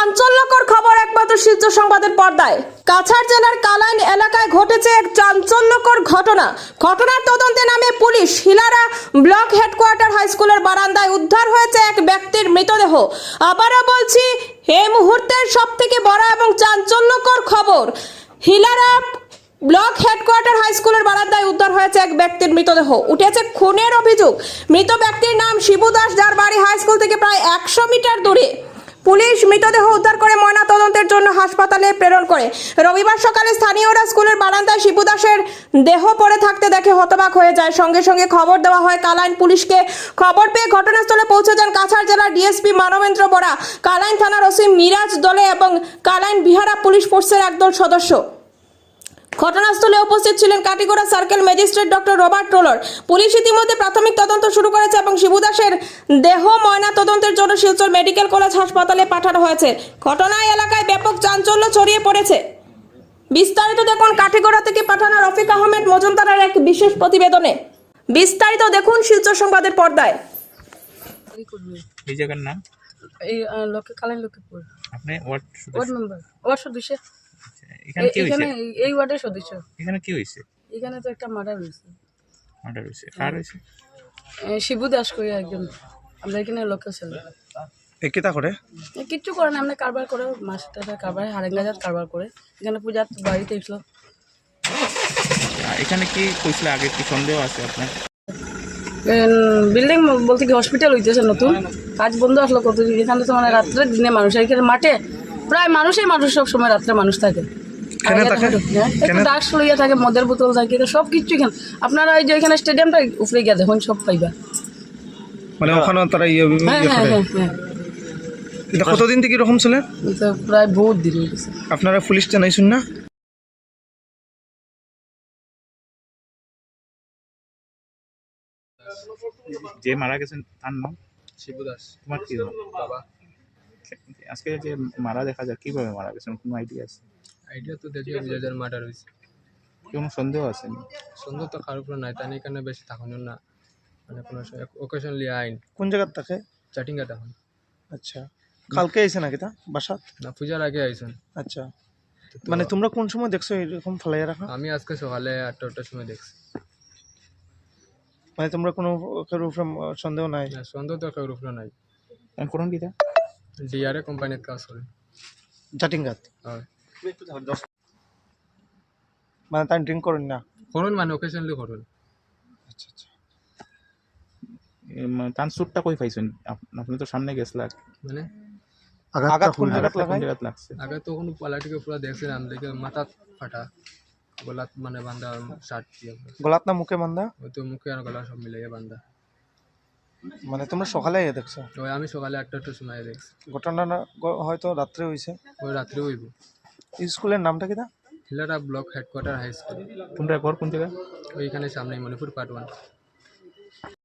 চাঞ্চল্যকর খবর একমাত্র শিলচর সংবাদের পর্দায়। কাছাড় জেলার কালাইন এলাকায় ঘটেছে এক চাঞ্চল্যকর ঘটনা। ঘটনার তদন্তে নামে পুলিশ। হিলারা ব্লক হেডকোয়ার্টার হাই স্কুলের বারান্দায় উদ্ধার হয়েছে এক ব্যক্তির মৃতদেহ। আবারও বলছি, এই মুহূর্তের সবথেকে বড় এবং চাঞ্চল্যকর খবর, হিলারা ব্লক হেডকোয়ার্টার হাই স্কুলের বারান্দায় উদ্ধার হয়েছে এক ব্যক্তির মৃতদেহ। উঠেছে খুনের অভিযোগ। মৃত ব্যক্তির নাম শিবু দাস, যার বাড়ি হাই স্কুল থেকে প্রায় 100 মিটার দূরে। পুলিশ মৃতদেহ উদ্ধার করে ময়না তদন্তের জন্য হাসপাতালে প্রেরণ করে। রবিবার সকালে স্থানীয়রা স্কুলের বারান্দায় শিবু দাসের দেহ পড়ে থাকতে দেখে হতবাক হয়ে যায়। সঙ্গে সঙ্গে খবর দেওয়া হয় কালাইন পুলিশকে। খবর পেয়ে ঘটনাস্থলে পৌঁছে যান কাছাড় জেলার ডিএসপি মানবেন্দ্র বরা, কালাইন থানার ওসি মিরাজ দলে এবং কালাইন বিহারা পুলিশ ফোর্সের একদল সদস্য। ঘটনাস্থলে উপস্থিত ছিলেন Katigorah circle magistrate doctor Robert টোলর। পুলিশ ইতিমধ্যে প্রাথমিক তদন্ত শুরু করেছে এবং শিবু দাসের দেহ ময়না তদন্তের জন্য শিলচর মেডিকেল কলেজ হাসপাতালে পাঠানো হয়েছে। ঘটনায় এলাকায় ব্যাপক চাঞ্চল্য ছড়িয়ে পড়েছে। বিস্তারিত দেখুন কাটিগড়া থেকে পাঠানো রফিক আহমেদ মজুমদারের এক বিশেষ প্রতিবেদনে। বিস্তারিত দেখুন শিলচর সংবাদের পর্দায়। এই জায়গার নাম এই কালাইন লক্ষ্মীপুর। আপনি ওয়ার্ড ওয়ার্ড মেম্বার, ওয়ার্ড সদস্য। এখানে কি হইছে? এই ওয়ার্ডের সদস্য। এখানে কি হইছে? এখানে তো একটা মার্ডার হয়েছে। মার্ডার হইছে। কার হইছে? শিবু দাস কই একজন। আমরা এখানে লোকাল ছিল। কিতা করে? কিচ্ছু করে না, আমরা কারবার করে, মাছ টাকা কারবার, হারেঙ্গাজাত কারবার করে। এখানে পূজার বাড়িতে এসলো। এখানে কি কইছিল আগে, কি সন্দেহ আছে আপনার? বিল্ডিং বলতে কি হসপিটাল হইতেছে নতুন, কাজ বন্ধ আসলো কতদিন। এখানে তো মানে রাত্রে দিনে মানুষ, এখানে মাঠে প্রায় মানুষই মানুষ, সব সময় রাত্রে মানুষ থাকে। একটু ড্রাগস লইয়া থাকে, মদের বোতল থাকে, সব কিছু এখানে। আপনারা এই যে এখানে স্টেডিয়ামটা উপরে গিয়ে দেখুন, সব পাইবা। মানে ওখানে তারা হ্যাঁ। এটা কতদিন থেকে এরকম ছিল? তো প্রায় বহুত দিন হয়ে গেছে। আপনারা পুলিশ জানাইছেন না? যে মারা গেছেন তার নাম শিবু দাস। তোমার কি নাম? বাবা। আজকে যে মারা দেখা যায়, কিভাবে মারা গেছেন কোনো আইডিয়া আছে? আইডিয়া তো দেখি যাদের মার্ডার হয়েছে, কোনো সন্দেহ আছে? সন্দেহ তো কারোর উপর নাই। তাই এখানে বেশি থাকুন না, মানে কোনো ওকেশনলি আইন কোন জায়গার থাকে? চাটিংটা থাকুন। আচ্ছা, কালকে আইছে নাকি তা বাসা? না, পূজার আগে আইসুন। আচ্ছা, মানে তোমরা কোন সময় দেখছো এরকম ফেলাই রাখা? আমি আজকে সকালে 8টার সময় দেখছি। মানে তোমরা কোনো উপরে সন্দেহ নাই? না, সন্দেহ তো কারোর উপর নাই। করুন কিটা ডিআরএ কোম্পানির কাজ করেন। জাটিঙ্গাত? হয়। মানে তাই ড্রিঙ্ক করেন না? করুন, মানে ওকেশনলি করুন। আচ্ছা আচ্ছা। তার সুটটা কই পাইছেন? আপনি তো সামনে গেছিলেন। মানে আঘাত কোন জায়গাত কোন লাগাই? জায়গাত লাগছে? আগে তো কোনো পালাটিকে পুরো দেখছিলাম, দেখে মাথা ফাটা, গলাত মানে বান্ধা শার্ট দিয়ে। গলাত না মুখে বান্ধা? ওই তো মুখে আর গলা সব মিলিয়ে বান্ধা। মানে তোমরা সকালে দেখছো? ওই আমি সকালে 8টার সময় দেখছি। ঘটনা হয়তো রাত্রে হয়েছে। ওই রাত্রে হইব। স্কুলের নামটা কিটা? Hilara block headquarter high school. তোমরা ঘর কোন জায়গায়? ওইখানে সামনে মণিপুর পার্ট 1।